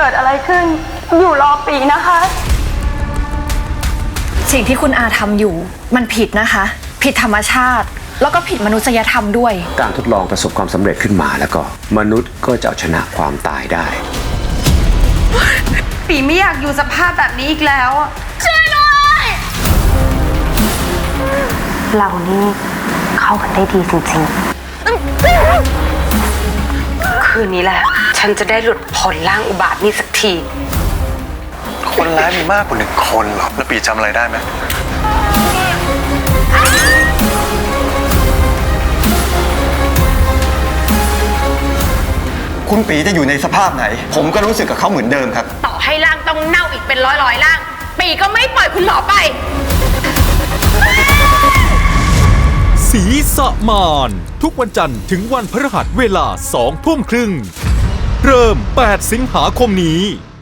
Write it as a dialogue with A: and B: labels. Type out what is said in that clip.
A: กิดอะไรขึ้นอยู่รอปีนะคะ
B: สิ่งที่คุณอาทำอยู่มันผิดนะคะ ผิดธรรมชาติ แล้วก็ผิดมนุษยธรรมด้วย
C: การทดลองประสบความสำเร็จขึ้นมาแล้วก็มนุษย์ก็จะเอาชนะความตายได้
A: ปีไม่อยากอยู่สภาพแบบนี้อีกแล้วช่วยด้วยเรานี่เข้ากันได้ดีจริงๆคืนนี้แหละฉันจะได้หลุดพ้นร่างอุบาทนี่สักที
D: คนร้ายมีมากกว่า1 คนหรอแล้วปีจำอะไรได้ไหม
E: คุณปีจะอยู่ในสภาพไหนผมก็รู้สึกกับเขาเหมือนเดิมครับ
A: ต่อให้ร่างต้องเน่าอีกเป็นร้อยร่างปีก็ไม่ปล่อยคุณหมอไป
F: สีสะมานทุกวันจันทร์ถึงวันพฤหัสเวลา 20:30 เริ่ม 8 สิงหาคมนี้